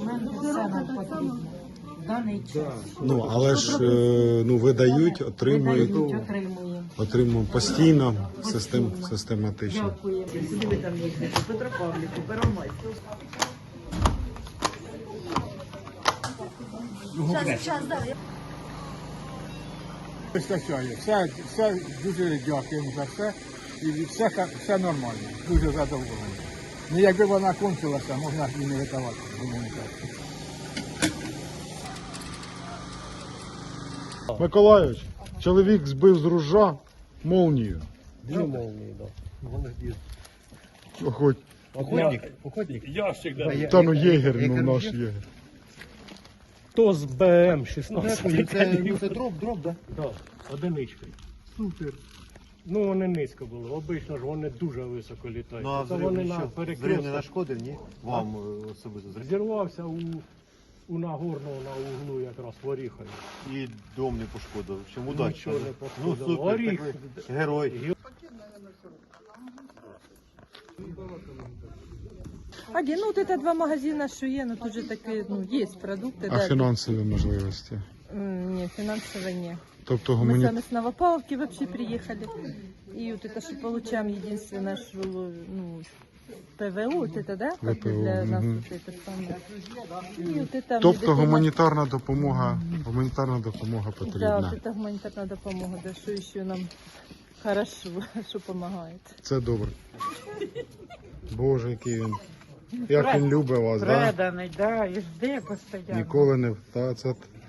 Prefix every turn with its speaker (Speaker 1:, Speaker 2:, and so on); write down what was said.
Speaker 1: документи, все нам потрібно. В даний час.
Speaker 2: Ну, але ж видають, отримують, отримуємо постійно, систематично.
Speaker 1: Дякую.
Speaker 3: Сюди ви там їздите, Петропавлівку, Первомайську.
Speaker 4: Вистачає. Все дуже дякуємо за все. І все нормально. Дуже задоволений. Ну, якби вона кончилася, можна і не видавати гуманітарку.
Speaker 2: Миколайович, чоловік збив з ружа молнію.
Speaker 5: Дві молнії, так. Вони ж
Speaker 2: Охоть.
Speaker 5: Охотник? Ящик, да.
Speaker 2: Та ну єгер, ну наш єгер.
Speaker 5: То з БМ-16.
Speaker 6: Це дроб, да?
Speaker 5: Так, одиничкою. Супер. Ну вони низько були. Обично ж вони дуже високо літають.
Speaker 6: Ну а
Speaker 5: Це вони на
Speaker 6: взрив не
Speaker 5: перекрестку.
Speaker 6: нашкодив, ні? Вам особисто зрив.
Speaker 5: Зірвався у Нагорного на углу якраз в Оріхові.
Speaker 6: І дом не пошкодив. В общем, удачі.
Speaker 5: Нічого не
Speaker 6: Ну
Speaker 5: пошкодило.
Speaker 6: супер,
Speaker 5: Оріх.
Speaker 6: так ви герой.
Speaker 7: Один, ну вот это два магазина, что є, ну тут же такі, ну, есть продукты,
Speaker 2: А
Speaker 7: да.
Speaker 2: фінансові можливості?
Speaker 7: Нет, финансово нет.
Speaker 2: Тобто
Speaker 7: Мы
Speaker 2: гумані...
Speaker 7: сами с Новопавловки вообще приехали. И вот это, что получаем, единственное, что, ну, ПВО, вот это, да? Как бы
Speaker 2: ВПО,
Speaker 7: для нас
Speaker 2: мгм.
Speaker 7: вот это самое. И вот это...
Speaker 2: Тобто
Speaker 7: медицина-
Speaker 2: гуманітарна допомога
Speaker 7: Да,
Speaker 2: потрібна.
Speaker 7: вот это гуманитарная допомога, да, что еще нам хорошо, что помогает.
Speaker 2: Це добре. Боже, який він. Як він любить вас, да?
Speaker 1: Преданий, да, і жде постійно.
Speaker 2: Ніколи не... Та, це